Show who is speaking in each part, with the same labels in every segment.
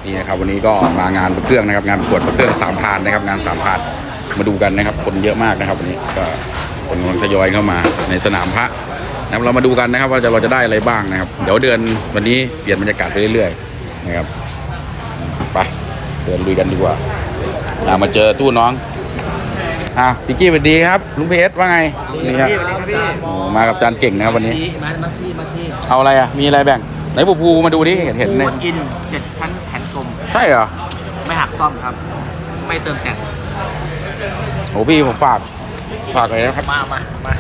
Speaker 1: นี่นะครับวันนี้ก็มางานประเครื่องนะครับงานประกวดประเครื่อง3 พานนะครับงาน3 พานมาดูกันนะครับคนเยอะมากนะครับวันนี้ก็คนกำลังทยอยเข้ามาในสนามพระนะครับเรามาดูกันนะครับว่าเราจะได้อะไรบ้างนะครับเดี๋ยวเดือนวันนี้เปลี่ยนบรรยากาศไปเรื่อยๆนะครับไปเดินลุยกันดีกว่ามาเจอตู้น้องพี่กี้สวัสดีครับลุงเพชรว่าไงนี่ครับมากับจานเก่งนะครับวันนี้
Speaker 2: มาซี่
Speaker 1: เอาอะไรมีอะไรแบ่งไหนปูมาดูดิเห็น
Speaker 2: เลยอิน7 ชั้นแขนกลม
Speaker 1: ใช่เหรอ
Speaker 2: ไม่หักซ่อมครับไม่เติมแต่ง
Speaker 1: โอ้พี่ผมฝากเลยนะครับ
Speaker 2: มา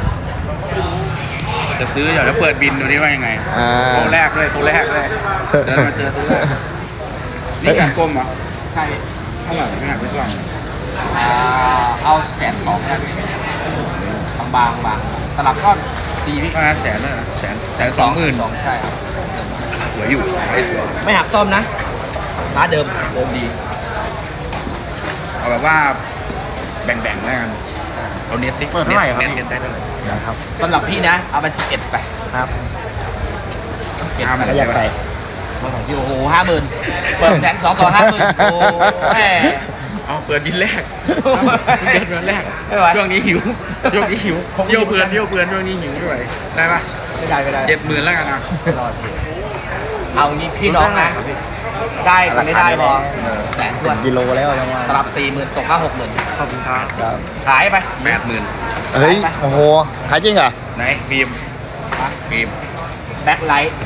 Speaker 1: จะซื้ออยากจะเปิดบินดูดิว่ายังไงตัวแรกเลยเดินมาเจอตัวแรกนี่แขนกลมเหรอ
Speaker 2: ใช่
Speaker 1: เท่าไหร่ไม่หักไม่กล้อง
Speaker 2: เอา120,000กันบางตลับก้อน
Speaker 1: ดีพี่ก็100,000เลย120,000
Speaker 2: ใช่ครับ
Speaker 1: สวยอยู่
Speaker 2: ไม่หักซ่อมนะร้านเดิมดี
Speaker 1: เอาแบบว่าแบ่งแล้วกันเอาเน็ตดิ
Speaker 2: เปิดเท่าไหร่ครับ
Speaker 1: เน็ตได้เท่าไหร่
Speaker 2: ครับสำหรับพี่นะเอาไป11ไปครับ
Speaker 1: 50,000
Speaker 2: อยากไปมาของพี่โอ้โห50,000เปิด120,000ต่อ50,000โอ้แม่
Speaker 1: เปิดบินแรกเดือนแรกช่วงนี้หิวเที่ยวเพื่อนช่วงนี้หิวไม่ไหวได้ปะ
Speaker 2: ไม่ได้
Speaker 1: 70,000แล้วกันนะ
Speaker 2: เอางี้พี่น้องนะได้กันไม่ได้พอ100,000ทวน
Speaker 3: กิโลแล้วยังไง
Speaker 2: ปรับ40,000ตกมา60,000
Speaker 1: ขอบคุณครับ
Speaker 2: ขายไป
Speaker 1: 80,000
Speaker 3: เฮ้ยโอ้โหขายจริงเหรอ
Speaker 1: ไหนฟิล์ม
Speaker 2: แบ็คไลท์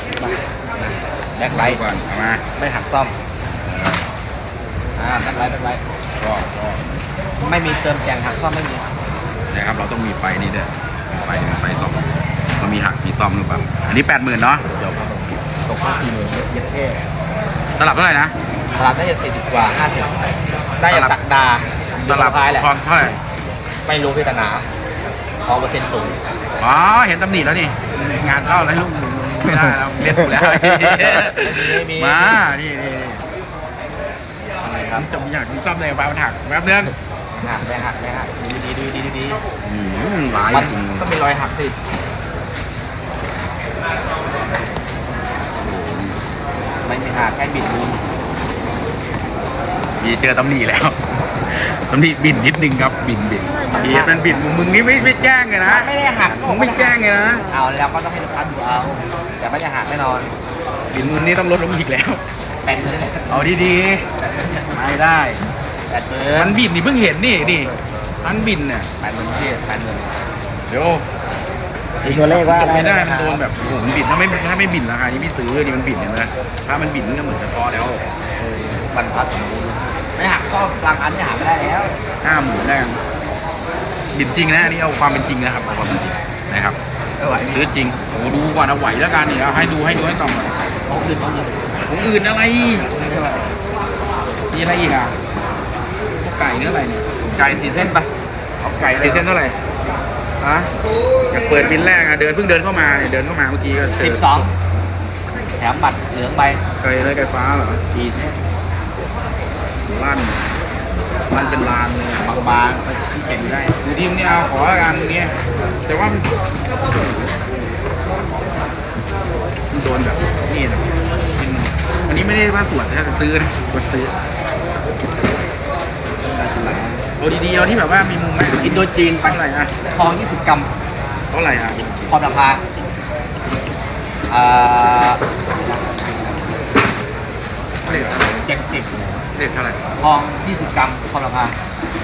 Speaker 1: ก่อนเอามา
Speaker 2: ไม่หักซ่อมแบ็คไลท์
Speaker 1: ก็
Speaker 2: ไม่มีเติมแต่งหักซ่อมไม่มี
Speaker 1: นะครับเราต้องมีไฟนี่ด้วยไฟซ่อมเรามีหักมีซ่อมหรือเปล่าอันนี้80,000เนาะ
Speaker 2: เดี๋ยวตกมา40,000เยอะแค่
Speaker 1: ตลับเท่าไหร่นะ
Speaker 2: ตลับน่าจะ40 กว่า50ได้จะสักดา
Speaker 1: ตลับพอเท่าไหร่
Speaker 2: ไม่รู้พี่ตนาเปอร์เซ็นต์สูง
Speaker 1: เห็นตำหนิแล้วนี่งานเข้าแล้วลูกไม่ได้แล้วเล่นแล้วมานี่อะไรครับจะมีอยากมีซ่อมในกระเป๋าถักแป๊บนึง
Speaker 2: ไม่หักดี
Speaker 1: หลายจริง
Speaker 2: ก็มีรอยหักสิไม่หักแค่บิด
Speaker 1: มีเจอตำหนิแล้วตำหนิบินนิดนึงครับบินมันบินมึงนี่ไม่แจ้งเลยนะ
Speaker 2: ไม่ได้หัก
Speaker 1: มึงไม่แจ้งเลยนะ
Speaker 2: เอาแล้วก็ต้องให้ลูกค้าดูเอาแต่ไม่จะหักแน่นอน
Speaker 1: บินมึงนี่ต้องลดลงอีกแล้วเอาดีๆไม่ได้มันบินนี่เพิ่งเห็นนี่มันบินเนี่ย
Speaker 2: 80,000
Speaker 1: เดี๋ยว
Speaker 3: ตัวเลขว่า
Speaker 1: ไม่ได้มันโดนแบบโอ้โหมันบินถ้าไม่บินราคานี้ไม่ซื้อนี่มันบินเห็นไหมถ้ามันบินมันก็เหมือนจะพอแล้ว
Speaker 2: บรรพัดสมบูรณ์ไม่หักก็บางอันที่หักไม่ได้แล้ว
Speaker 1: 50,000ได้บินจริงนะนี่เอาความเป็นจริงนะครับความเป็นจริงนะครับซื้อจริงโอ้ดูก่อนเอาไหวแล้วกันนี่เอาให้ดูให้ต่อก่อน
Speaker 2: ของอื่น
Speaker 1: อะไรมีอะไรอีกพวกไก่เนื้ออะไรเนี่ย
Speaker 2: ไก่4 เส้นไปเอาไก่
Speaker 1: 4 เส้นเท่าไหร่อยากเปิดบินแรกเพิ่งเดินเข้ามาเมื่อกี้ก็
Speaker 2: 12แถมบัตรเหลืองไป
Speaker 1: ไก่ฟ้าเหรอ
Speaker 2: 4 เส้น
Speaker 1: มันเป็นลานเลย
Speaker 2: บางๆเก็บได้
Speaker 1: ดูทีมนี่เอาขอละกันนี้แต่ว่ามันโดนแบบนี่นะอันนี้ไม่ได้ว่าตรวจนะซื้อนะกดซื้อเอาดีๆเอาที่แบบว่ามีมุมไหม
Speaker 2: อินโดจีน
Speaker 1: เท่าไหร่
Speaker 2: ทอง20 กรัม
Speaker 1: เท่าไหร่
Speaker 2: พอราคา
Speaker 1: เลข
Speaker 2: 70
Speaker 1: เลขเท่าไหร่
Speaker 2: ทอง20 กรัมพอราคา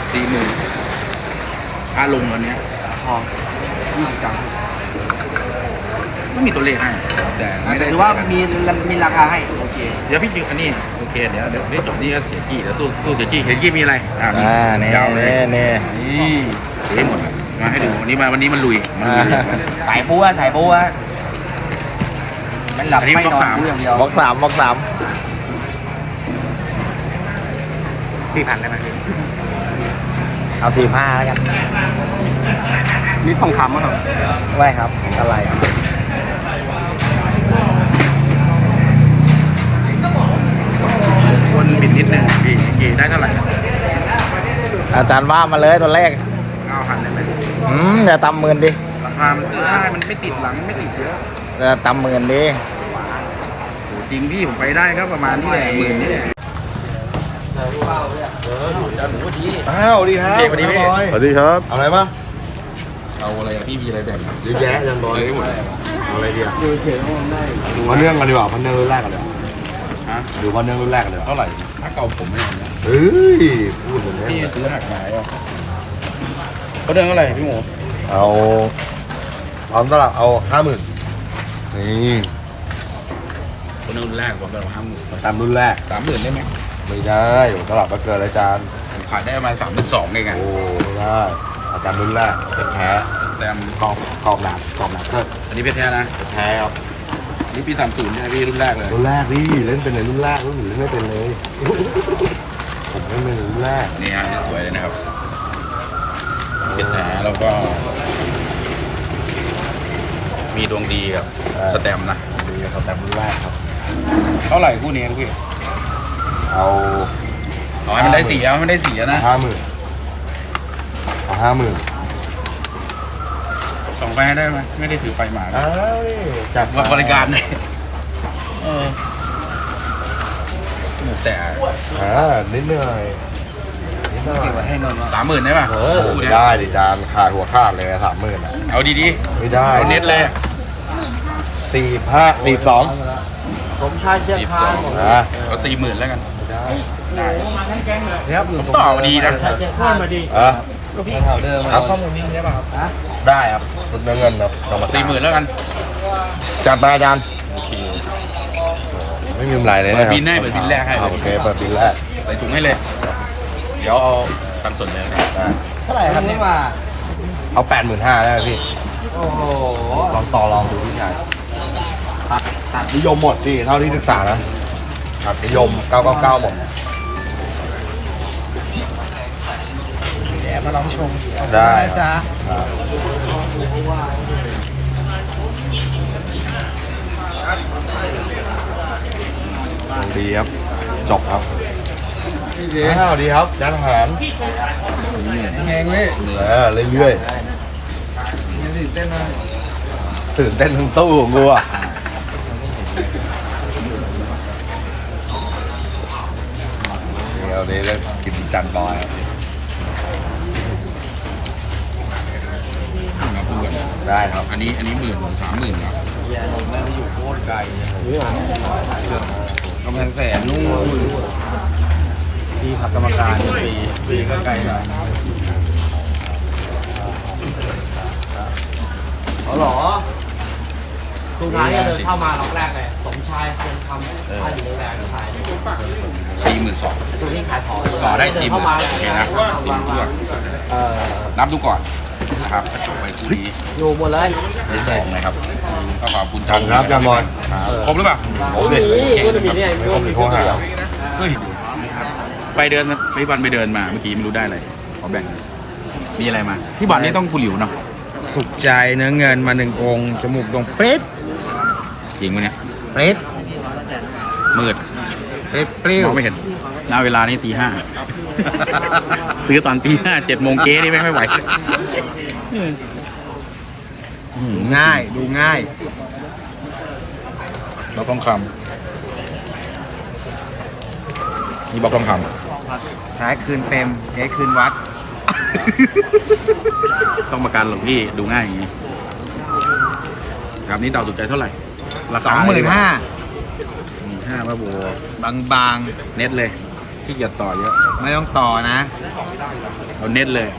Speaker 1: 40,000ลงวันนี้
Speaker 2: ทอง20 กรัม
Speaker 1: ไม่มีตัวเลขให้แต่ไม่ได้
Speaker 2: หรือว่ามีราคาให้โอเค
Speaker 1: เดี๋ยวพี่ดึงอันนี้โอเคเดี๋ยวจบนี่ก็เสียกี้เดี๋ยวตู้เสียกี้มีอะไร
Speaker 3: นี่ยาวเลยนี่
Speaker 1: เสียหมดมาให้ดูวันนี้มันลุย
Speaker 2: สายบัวมันหลับไม่นอนอย่างเดียว
Speaker 3: บล็อก3
Speaker 2: 4,000ได้ไหม
Speaker 3: เอา45แล้วกัน
Speaker 2: นี่ทองคำมั้งครับ
Speaker 3: ไม่ครับอะไร
Speaker 1: คนบินนิดนึงกี่ได้เท่าไหร่
Speaker 3: อาจารย์ว่ามาเลยตัวเลข
Speaker 1: 9,000ได้ไหม
Speaker 3: อย่าต่ำ10,000ดิ
Speaker 1: ราคามันซื้อได้มันไม่ติดหลังไม่ติดเยอะ
Speaker 3: ต่ำ10,000ดิ
Speaker 1: จจริงพี่ผมไปได้ก็ประมาณนี่แหละหมื่นนี่แหละ
Speaker 4: อ้าวดีครับ
Speaker 1: สวัสดีพี่
Speaker 4: สวัสดีครับอะไรปะ
Speaker 1: เอาอะไรอะพี่มีอะไรแบ่ง
Speaker 4: เยอะแยะยันบอย
Speaker 1: เลยหมดเลย
Speaker 4: เอาอะไรดีอ่ะมาเนื่องกันดีกว่าพันเนื่องรุ่นแรกกันเลย
Speaker 1: ฮะ
Speaker 4: ดูพันเนื่องรุ่นแรกกันเลย
Speaker 1: เท่าไหร่ถ้าเก่าผมไม่เอาเนี่ย
Speaker 4: เฮ้ยพูดอย่างนี้
Speaker 1: พี่ซื้อหักหายอ่ะเขาเดินเท่าไหร่พี่หมู
Speaker 4: เอาพร้อมตลับเอา50,000นี่
Speaker 1: คนรุ่นแรกผมแบบ50,000
Speaker 4: ตามรุ่นแรก
Speaker 1: 30,000ได้ไหม
Speaker 4: ไม่ได้ตลับก็เกินอาจารย์
Speaker 1: ผมขายได้ประมาณ32,000เองไง
Speaker 4: โอ้ไม่ได้อาจารย์รุ่นแรกเป็นแท้
Speaker 1: แต่
Speaker 4: กรอบหนาเกิด
Speaker 1: อันนี้เพชรแท้นะ
Speaker 4: แท้ครับ
Speaker 1: นี่ปี30ใช่ไหมพี่รุ่นแรกเลย
Speaker 4: รุ่นแรกดิเล่นเป็นในรุ่นแรกรุ่นอื่นเล่นไม่เป็นเลย ผมเล่นเป็นรุ่นแรก
Speaker 1: นี่ฮะสวยเลยนะครับเพชรแท้แล้วก็ มีดวงดีกับสแตมป์นะ
Speaker 4: ดีครับแต่รุ่นแรกครับ
Speaker 1: เท่าไหร่คู่นี้พี่
Speaker 4: เอา
Speaker 1: เอาให้มันได้สีเอาให้มันได้สีนะ
Speaker 4: 50,000เอา50,000
Speaker 1: ส่องไฟให้ได้ไหมไม่ได้ถือไฟมานะ
Speaker 4: อ้าวจัด
Speaker 1: ว่าบริการเลยแต่
Speaker 4: นิดหน่อยนิดหน่อย
Speaker 1: 30,000ได้ป่ะ
Speaker 4: เออ
Speaker 1: คู่เนี้ย
Speaker 4: ได้ดิจานขาดหัวขาดเลย30,000อ่ะ
Speaker 1: เอาดี
Speaker 4: ไม่ได้
Speaker 1: ๆเอาเน็ตเลย
Speaker 4: 42
Speaker 2: สมชายเชียงคาน
Speaker 4: นะ
Speaker 1: เอา40,000แล้วกัน
Speaker 4: ได้
Speaker 1: ต่อดีนะ
Speaker 2: ชายเชียงคานมาดี
Speaker 4: ครับข้อมูลนี้ได้ป่ะครับได้ครับเงินครับ
Speaker 1: 40,000แล้วกัน
Speaker 4: จัดมาอาจารย์ไม่มีกำไรเลย
Speaker 1: เปิด
Speaker 4: นะครับ
Speaker 1: บินให้เปิดบินแรกให้
Speaker 4: โอเคเปิดบินแรก
Speaker 1: ใส่ถุงให้เลย เดี๋ยวเอาตังค์สดเลยนะ
Speaker 4: ได้
Speaker 2: เท่าไหร่ครับนี่ว่า
Speaker 4: เอา85,000ได้ไหมพี่
Speaker 2: โอ้โห
Speaker 4: ลองต่อลองดูพี่ชายตัดนิยมหมดพี่เท่าที่ศึกษานะตัดนิยม999หมด
Speaker 2: เดี๋ยวมาลองชม
Speaker 4: ได้
Speaker 2: จ้า
Speaker 4: ดีครับจบครับอ้าวดีครับจานอาหาร
Speaker 2: แหงเว้ย
Speaker 4: เรื่อย
Speaker 2: ตื่นเต้นนะ
Speaker 4: ๆตื่นเต้นทั้งตู้ของกูอ่ะเดี๋ยวนี้ก็กินจันบอยครับ
Speaker 1: มาพูดกัน
Speaker 4: ได้ครับ
Speaker 1: อันนี้30,000ครับ
Speaker 2: อย่าลงแม่ไปอยู่โคตรไกล
Speaker 1: กำแพงแสนนู่น
Speaker 2: ที่พักกรรมการฟรีก็ไกลหน่อยอ๋อเหรอตรงท้ายก็เดินเข้ามาล็อกแรกเลยสมชายคงทำท่าอยู่ในแรงขาย
Speaker 1: 42,000
Speaker 2: ตรงนี้ขายของ
Speaker 1: ต่อได้
Speaker 2: เน
Speaker 1: 40,000
Speaker 2: เข้ามา
Speaker 1: โอเคนะตีมด้วย
Speaker 2: เออ
Speaker 1: นับดูก่อนนะครับก็จบไปคู่นี้
Speaker 2: อยู่หมดเลย
Speaker 1: ได้2นะครับก็ขอบคุณ
Speaker 4: ครับจานบอย
Speaker 1: ครบหรือเปล่า
Speaker 4: โอ้เด็ก
Speaker 2: ก็จะมีเนี่ย
Speaker 4: ไม่ครบมีข้อหา
Speaker 1: เฮ้ยไปเดินพี่บอลไปเดินมาเมื่อกี้ไม่รู้ได้อะไรขอแบ่งมีอะไรมาพี่บอลนี่ต้องกุหลิวเนาะ
Speaker 3: ถูกใจเนื้อเงินมา1 องค์จมูกตรงเป๊ะ
Speaker 1: จริงไหมเนี่ย
Speaker 3: เป๊ะ
Speaker 1: มืด
Speaker 3: เป๊ะเปรี้ย
Speaker 1: ม
Speaker 3: ว
Speaker 1: องไม่เห็นณเวลานี้ตี 5 ซื้อตอนตี 5 7 โมงเก๊นี่ไม่ไหว
Speaker 3: ง่ายดูง่าย
Speaker 1: บล็อกทองคำนี่บล็อกทองค
Speaker 3: ท้ายคืนเต็มเทคืนวัด
Speaker 1: ำต้องประกันหรอกพี่ดูง่ายอย่างนี้ครับนี่เต่าถูกใจเท่าไหร่ราคา
Speaker 3: 25,000
Speaker 1: 5ว่าโบบ
Speaker 3: าง
Speaker 1: เน็ตเลยที่เกียจต่อเยอะ
Speaker 3: ๆ ไม่ต้องต่อนะ
Speaker 1: เอาเน็ตเลย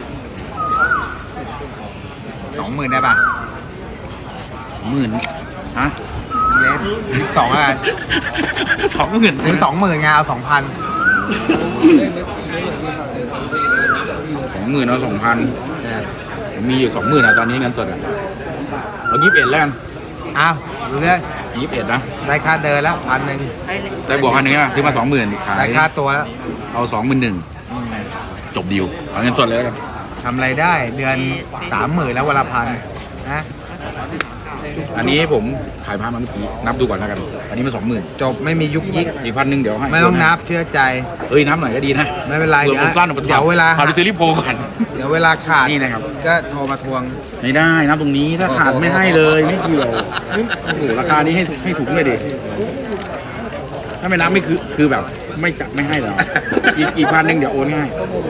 Speaker 3: 20,000 ได้ป่ะ
Speaker 1: 10,000ฮะ
Speaker 3: เลส12แล้วกัน
Speaker 1: 20,000
Speaker 3: ซื้อ 20,000ไงเอา 2,000
Speaker 1: 20,000เอา2,000ผมมีอยู่20,000อ่ะตอนนี้เงินสดอ่ะเอา21แล้วกัน
Speaker 3: อ้าวดูเรื่อง
Speaker 1: 21นะ
Speaker 3: ได้ค่าเดินแล้ว1,000
Speaker 1: ได้บวก1,000อ่ะซื้อมา 20,000ขาย
Speaker 3: ได้ค่าตัวแล้ว
Speaker 1: เอา21,000จบดีลเอาเงินสดเลยแล้วกัน
Speaker 3: ทำอะไรได้เดือน 30,000 แล้ววันละ1,000นะ
Speaker 1: อันนี้ผมขายพามาเมื่อกี้นับดูก่อนแล้วกัน อันนี้มัน20,000
Speaker 3: จบไม่มียุกยิก
Speaker 1: อีก1,000เดี๋ยวให้
Speaker 3: ไม่ต้องนับเชื่อใจ
Speaker 1: เอ้ยนับหน่อยก็ดีนะ
Speaker 3: ไม่เป็นไร
Speaker 1: เดี๋ยวผมสั้นออกไป
Speaker 3: เดี๋ยวเวลา
Speaker 1: พาไปซื้อรีโพก่อน
Speaker 3: เดี๋ยวเวลาขาด
Speaker 1: นี่นะครับ
Speaker 3: ก็โทรมาทวง
Speaker 1: ไม่ได้นับตรงนี้ถ้าขาดไม่ให้เลยไม่เกี่ยวโอ้โหราคานี้ให้ถูกเลยดิถ้าไม่นับไม่คือแบบไม่จับไม่ให้หรอกอีกพันหนึ่งเดี๋ยวโอนให้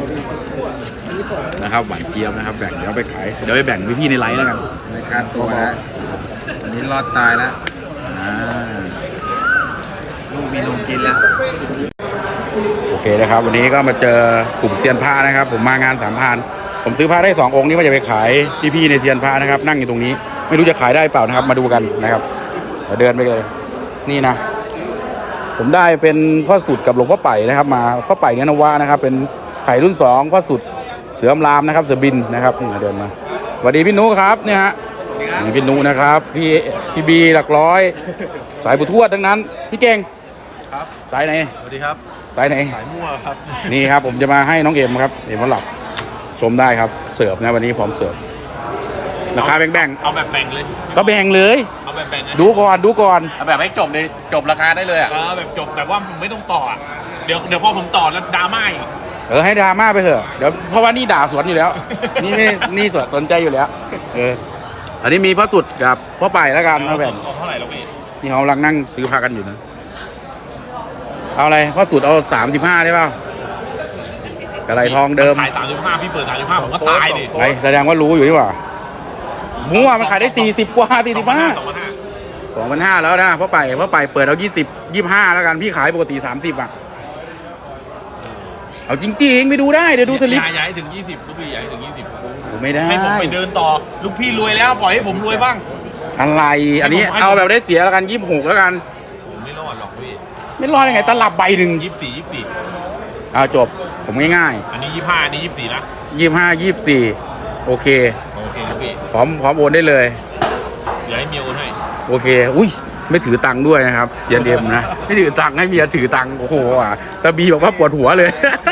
Speaker 1: นะครับหวานเจี๊ยบนะครับแบ่งเดี๋ยวไปขายเดี๋ยวไปแบ่งพี่ๆในไลฟ์แล้วกัน
Speaker 3: ในการตัวนะอันนี้รอดตายแล้ว
Speaker 1: อ่า
Speaker 3: ลูกมีนมกินแล้ว
Speaker 1: โอเคนะครับวันนี้ก็มาเจอกลุ่มเซียนผ้านะครับ ผมมางาน3,000ผมซื้อผ้าได้2องค์นี้ว่าจะไปขายพี่ๆในเซียนผ้านะครับ นั่งอยู่ตรงนี้ ไม่รู้จะขายได้เปล่านะครับ มาดูกันนะครับเดี๋ยวเดินไปเลยนี่นะ ผมได้เป็นพ่อสุดกับหลวงพ่อไป่นะครับ มาพ่อไป่เนื้อนวะนะครับ เป็นไข่รุ่น2พ่อสุดเสือมรามนะครับเสือบินนะครับนี่เดินมาสวัสดีพี่นุครับเนี่ยฮะนี่พี่นุนะครับพี่บีหลักร้อยสายบุทวดทั้งนั้นพี่เก่ง
Speaker 3: ครับ
Speaker 1: สายไหน
Speaker 3: สวัสดีครับ
Speaker 1: สายไหน
Speaker 3: สายมั่วครับ
Speaker 1: นี่ครับผมจะมาให้น้องเอ็มครับเอ็มวันหลับชมได้ครับเสิร์ฟนะวันนี้พร้อมเสิร์ฟราคาแบ่ง
Speaker 5: เอาแบบแบ่งเลย
Speaker 1: ๆก็แบ่งเลย
Speaker 5: เอาแบบแบ่งเลย
Speaker 1: ดูก่อน
Speaker 4: เอาแบบให้จบเลยจบราคาได้เลยอ่ะ
Speaker 5: เอาแบบจบแบบว่าผมไม่ต้องต่ออะเดี๋ยวพอผมต่อแล้วดราม่าอีก
Speaker 1: ให้ดราม่าไปเถอะเดี๋ยวเพราะว่านี่ด่าสวนอยู่แล้ว นี่ไม่นี่สนใจอยู่แล้วอันนี้มีพ่อสุดกับพ่อไปแล้วกันมาแบ่ง
Speaker 5: เอาเท่าไหร่แล้วพี่
Speaker 1: นี่เขากำลังนั่งซื้อพากันอยู่นะเอาอะไรพ่อสุดเอา35ได้เปล่ากระไรทองเดิม
Speaker 5: ขาย35พี่เปิด35ผมก็ตายดิ
Speaker 1: ไงแสดงว่ารู้อยู่ดีกว่ามั่วมันขายได้40กว่า45 2,500แล้วนะพ่อไปเปิดเอา25แล้วกันพี่ขายปกติ30อ่ะเอาจริงๆไปดูได้เดี๋ยวดูสลิป
Speaker 5: ย้ายถึง20ลูกพี่ย้ายถึง20
Speaker 1: ไม่ได้
Speaker 5: ให้ผมไปเดินต่อลูกพี่รวยแล้วปล่อยให้ผมรวยบ้าง
Speaker 1: อะไรอันนี้
Speaker 5: ให้ผม
Speaker 1: เอาแบบได้เสียแล้วกัน26แล้วกัน
Speaker 5: ผมไม่รอดหรอกพี่
Speaker 1: ไม่รอดยังไงตลับใบหนึ่ง
Speaker 5: 24
Speaker 1: เอาจบผมง่าย
Speaker 5: อันนี้25อันนี้24นะ
Speaker 1: ๆ25 24โอเค
Speaker 5: โอเคลูกพี่
Speaker 1: พร้อมโอนได้เลย
Speaker 5: เดี๋ยวให้เมียโอนให้
Speaker 1: โอเคอุ้ยไม่ถือตังค์ด้วยนะครับเซียนเดมนะไม่ถือตังค์ให้เมียถือตังค์โอ้โหอ่ะแต่บีบอกว่าปวดหัวเลย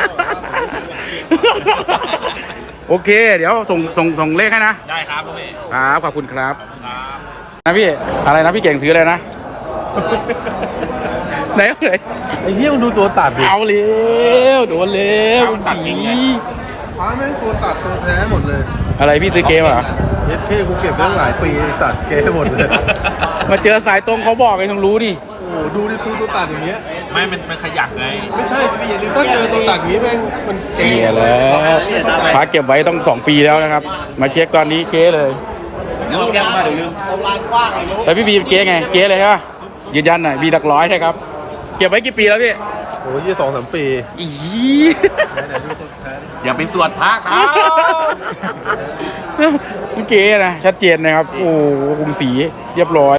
Speaker 1: โอเค เดี๋ยวส่งเลขให้นะ
Speaker 5: ได้ครับลูกพี่
Speaker 1: ครับขอบคุณครับ
Speaker 5: ครับ
Speaker 1: นะพี่อะไรนะพี่เก่งซื้ออะไรนะ ไหน
Speaker 3: ไอ้เหี้ยมึงดูตัวตัดดิ
Speaker 1: เอาเร็วโดนเร็วคุณสี
Speaker 3: พาแม่งตัวตัดตัวแท้หมดเลย
Speaker 1: อะไรพี่ซื้อเกมเหรอ
Speaker 3: เย็ดเท่กูเก็บตั้งหลายปีไอ้สัตว์เก้หมดเลย
Speaker 1: มาเจอสายตรงเขาบอกไอ้ต้องรู้ดิ
Speaker 3: โอ้โหดูดิตัวตัดอย่างเงี้ย
Speaker 5: ไม่มันขยักไง
Speaker 3: ไม่ใช่ ถ้าเจอตัวตัดอย่างงี้แม่งมันเก๋
Speaker 1: เก๋แล้วฟ้าเก็บไว้ต้อง2 ปีแล้วนะครับ มาเช็คตอนนี้เก๋เลยแต่พี่บีเก๋ไงเก๋เลยใช่ปะยืนยันหน่อยบีหลักร้อยนะครับ เก็บไว้กี่ปีแล้วพี่
Speaker 3: โอ้ย2-3 ปี
Speaker 1: อี
Speaker 3: ไหนๆดูตัวแท้ดิ
Speaker 5: อย่าไปสวดพระครับ
Speaker 1: เก๋นะชัดเจนนะครับ โอ้โหกรุงศรีเรียบร้อย